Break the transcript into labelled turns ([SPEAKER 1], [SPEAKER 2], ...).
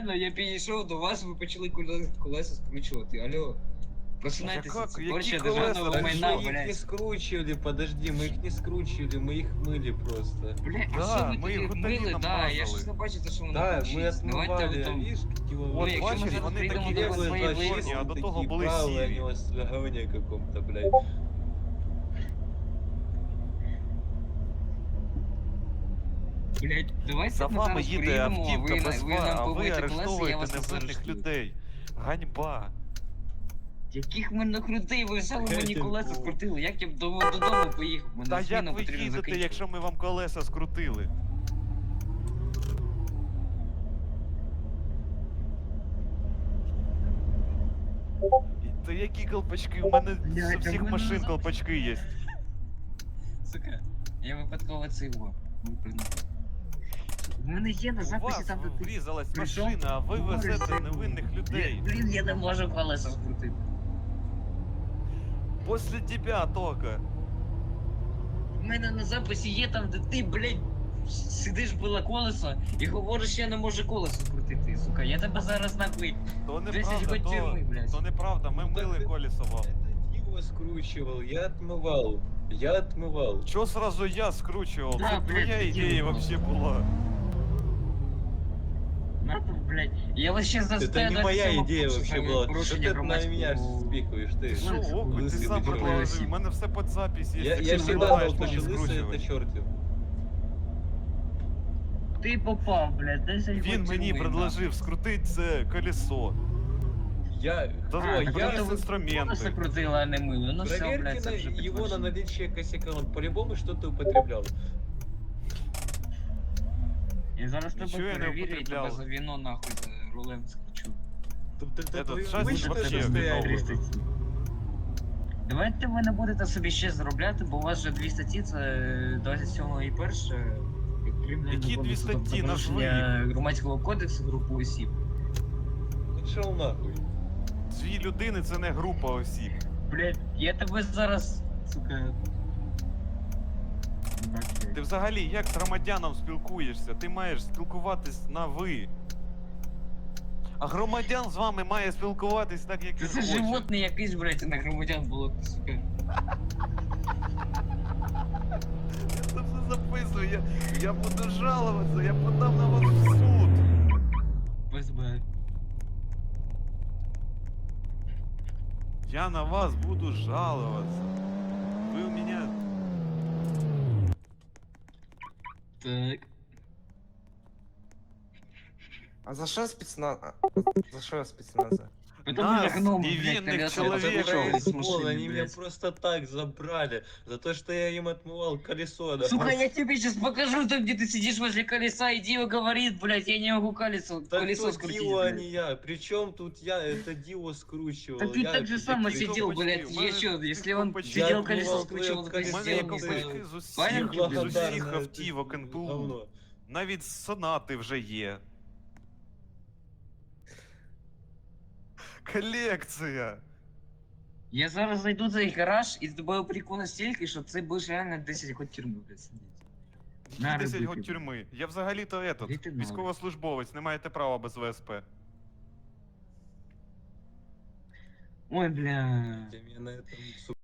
[SPEAKER 1] реально, я підійшов до вас, ви почали колеса скручувати. Алло. Просинайтеся,
[SPEAKER 2] Як?
[SPEAKER 1] це
[SPEAKER 2] Які
[SPEAKER 1] порча
[SPEAKER 2] колеса?
[SPEAKER 1] державного
[SPEAKER 2] Так
[SPEAKER 1] майна,
[SPEAKER 3] Мы их не
[SPEAKER 1] блядь.
[SPEAKER 3] скручивали, подожди, мы их не скручивали, мы их мыли просто.
[SPEAKER 1] Бля, а
[SPEAKER 2] Да,
[SPEAKER 1] що ви
[SPEAKER 2] ми
[SPEAKER 1] тоді
[SPEAKER 2] їх
[SPEAKER 1] мили?
[SPEAKER 2] гуталіном
[SPEAKER 1] Да, я
[SPEAKER 2] мазали.
[SPEAKER 1] ж не бачите, що воно
[SPEAKER 3] Да, мы
[SPEAKER 1] получилось. Давайте
[SPEAKER 3] отмывали,
[SPEAKER 1] ви
[SPEAKER 3] а
[SPEAKER 1] там...
[SPEAKER 3] видишь, какие
[SPEAKER 1] Ну,
[SPEAKER 2] От
[SPEAKER 1] якщо ми
[SPEAKER 2] бачиш,
[SPEAKER 1] зараз
[SPEAKER 2] вони
[SPEAKER 1] прийдемо
[SPEAKER 2] такі
[SPEAKER 1] до вас
[SPEAKER 2] були
[SPEAKER 1] свої
[SPEAKER 2] чорні,
[SPEAKER 1] виїзди,
[SPEAKER 2] а до того
[SPEAKER 3] такие
[SPEAKER 2] були
[SPEAKER 3] правые,
[SPEAKER 2] сірі.
[SPEAKER 3] они у вас в говне каком-то, блядь.
[SPEAKER 1] блядь, давайте
[SPEAKER 2] За
[SPEAKER 1] ми
[SPEAKER 2] вами
[SPEAKER 1] зараз
[SPEAKER 2] їде
[SPEAKER 1] приїдемо,
[SPEAKER 2] автівка без
[SPEAKER 1] ви
[SPEAKER 2] фар,
[SPEAKER 1] нам
[SPEAKER 2] а ви
[SPEAKER 1] помийте колеса, я
[SPEAKER 2] арештовуєте
[SPEAKER 1] вас не
[SPEAKER 2] невинних
[SPEAKER 1] заарештую.
[SPEAKER 2] людей. Ганьба.
[SPEAKER 1] Яких мене крутий, ви взяли мені
[SPEAKER 3] Дядя
[SPEAKER 1] колеса
[SPEAKER 3] Вов.
[SPEAKER 1] скрутили, як я б додому поїхав, мене
[SPEAKER 2] Та
[SPEAKER 1] зміна
[SPEAKER 2] як ви
[SPEAKER 1] потрібно
[SPEAKER 2] їдете,
[SPEAKER 1] закінчувати.
[SPEAKER 2] якщо ми вам колеса скрутили? Та які колпачки? У мене
[SPEAKER 1] Блядь,
[SPEAKER 2] з
[SPEAKER 1] а в
[SPEAKER 2] всіх
[SPEAKER 1] мене
[SPEAKER 2] машин
[SPEAKER 1] назад-
[SPEAKER 2] колпачки є.
[SPEAKER 1] Сука, я випадково це його випрыгнув. В мене є на
[SPEAKER 2] У
[SPEAKER 1] записі
[SPEAKER 2] вас
[SPEAKER 1] там, де ти
[SPEAKER 2] врізалась
[SPEAKER 1] прийшов,
[SPEAKER 2] машина, а ви
[SPEAKER 1] говориш,
[SPEAKER 2] везете
[SPEAKER 1] що-
[SPEAKER 2] невинних людей.
[SPEAKER 1] Блін, я не можу колеса скрутити.
[SPEAKER 2] Після тебе тока.
[SPEAKER 1] У мене на записі є там, де ти, блядь, сидиш біля колеса і говориш, що я не можу колесо скрутити, сука. Я тебе зараз нахуй.
[SPEAKER 2] То
[SPEAKER 1] 10
[SPEAKER 2] неправда,
[SPEAKER 1] год тюрми, блядь.
[SPEAKER 2] то неправда, ми мили колесо вам.
[SPEAKER 3] Это его скручивал, я отмывал. Я отмывал.
[SPEAKER 2] Чо сразу я скручував?
[SPEAKER 1] Да,
[SPEAKER 2] Це
[SPEAKER 1] блядь,
[SPEAKER 2] твоя
[SPEAKER 1] ти
[SPEAKER 2] ідея
[SPEAKER 1] діло.
[SPEAKER 2] вообще була.
[SPEAKER 1] Надо, блядь. Я вообще за
[SPEAKER 3] Это не моя идея вообще была. Что ты на меня спихиваешь, ты?
[SPEAKER 2] Що, око, ти
[SPEAKER 3] лысый
[SPEAKER 2] сам
[SPEAKER 3] бедро.
[SPEAKER 2] предложив, у мене все під запись є.
[SPEAKER 3] Я
[SPEAKER 2] якщо
[SPEAKER 3] всегда
[SPEAKER 2] вимагаєш
[SPEAKER 3] знал,
[SPEAKER 2] мені
[SPEAKER 3] что лысый
[SPEAKER 2] скручувати.
[SPEAKER 3] это чертів.
[SPEAKER 1] Ти попав, блядь, 10 год
[SPEAKER 2] Він мені
[SPEAKER 1] тюрми,
[SPEAKER 2] предложив скрутити це колесо.
[SPEAKER 3] Я...
[SPEAKER 2] Да,
[SPEAKER 1] А,
[SPEAKER 2] я
[SPEAKER 1] так
[SPEAKER 2] з
[SPEAKER 1] это вы
[SPEAKER 2] інструменти.
[SPEAKER 1] колеса крутила, а не мыло. Ну все,
[SPEAKER 3] Проверьте
[SPEAKER 1] блядь, це вже
[SPEAKER 3] его на
[SPEAKER 1] підтверджено.
[SPEAKER 3] наличие косяка, он по-любому что-то употреблял.
[SPEAKER 1] Я зараз
[SPEAKER 2] Нічого
[SPEAKER 1] тебе
[SPEAKER 2] я не
[SPEAKER 1] перевірю і тебе
[SPEAKER 2] употребляв.
[SPEAKER 1] за віно нахуй за рулем скручу.
[SPEAKER 3] Тобто це
[SPEAKER 2] Этот
[SPEAKER 3] твоє
[SPEAKER 2] шасі
[SPEAKER 3] обичне
[SPEAKER 2] вообще
[SPEAKER 3] состояние.
[SPEAKER 2] виновний.
[SPEAKER 1] статті. Давайте ви не будете собі ще заробляти, бо у вас вже 2 статті, це 27 і перше.
[SPEAKER 2] Які 2 статті? Назви.
[SPEAKER 1] Громадського кодексу групи осіб.
[SPEAKER 3] Пішов нахуй.
[SPEAKER 2] 2 людини це не група осіб.
[SPEAKER 1] Блять, я тебе зараз, сука.
[SPEAKER 2] Ти взагалі як з громадянам спілкуєшся? Ти маєш спілкуватись на ви. А громадян з вами має спілкуватись так, як він
[SPEAKER 1] Це
[SPEAKER 2] хоче.
[SPEAKER 1] животне якийсь, блять, на громадян було, сука.
[SPEAKER 2] Я це все записую, я буду жалуватися, я подам на вас в суд.
[SPEAKER 1] ФСБ.
[SPEAKER 2] Я на вас буду жаловаться. Вы у меня...
[SPEAKER 1] Так.
[SPEAKER 4] А за що спецназ? За що спецназа?
[SPEAKER 1] Потому
[SPEAKER 2] Нас,
[SPEAKER 1] что гном,
[SPEAKER 2] невинных
[SPEAKER 1] блядь, колеса
[SPEAKER 2] человек,
[SPEAKER 1] вышел
[SPEAKER 3] Это
[SPEAKER 1] с машины,
[SPEAKER 3] они меня
[SPEAKER 1] блядь.
[SPEAKER 3] просто так забрали. За то, что я им отмывал колесо. Да.
[SPEAKER 1] Сука, я тебе сейчас покажу, там, где ты сидишь возле колеса, и Дио говорит, блядь, я не могу колесо,
[SPEAKER 3] Так
[SPEAKER 1] колесо
[SPEAKER 3] тут
[SPEAKER 1] скрутить,
[SPEAKER 3] Дио, а
[SPEAKER 1] блядь.
[SPEAKER 3] не я. Причем тут я, это Дио скручивал.
[SPEAKER 1] Так ты
[SPEAKER 3] я
[SPEAKER 1] так же само
[SPEAKER 3] я-
[SPEAKER 1] сидел,
[SPEAKER 2] колпачки,
[SPEAKER 1] блядь,
[SPEAKER 2] у меня
[SPEAKER 1] еще,
[SPEAKER 2] тут
[SPEAKER 1] если он
[SPEAKER 2] колпачки.
[SPEAKER 1] сидел
[SPEAKER 3] Я
[SPEAKER 1] колесо
[SPEAKER 3] отмывал
[SPEAKER 1] скручивал,
[SPEAKER 3] твое
[SPEAKER 1] то
[SPEAKER 2] У
[SPEAKER 3] колесо.
[SPEAKER 2] мене є
[SPEAKER 1] сделал,
[SPEAKER 3] Сделал,
[SPEAKER 2] колпачки з
[SPEAKER 1] Правильно,
[SPEAKER 2] усіх,
[SPEAKER 1] блядь?
[SPEAKER 2] з
[SPEAKER 3] Благодарно,
[SPEAKER 2] усіх
[SPEAKER 3] это
[SPEAKER 2] автівок НПУ.
[SPEAKER 3] говно.
[SPEAKER 2] Навіть сонати вже є. Колекція.
[SPEAKER 1] Я зараз зайду в цей гараж і з тобою прикол настільки, що це будеш реально 10 год тюрми, блядь, сидіти. На
[SPEAKER 2] 10
[SPEAKER 1] рибу
[SPEAKER 2] год
[SPEAKER 1] піду.
[SPEAKER 2] тюрми. Я взагалі-то этот,
[SPEAKER 1] Іди ти нахуй.
[SPEAKER 2] військовослужбовець, не маєте права без ВСП.
[SPEAKER 1] Ой, бля.
[SPEAKER 3] Я на этом, сука,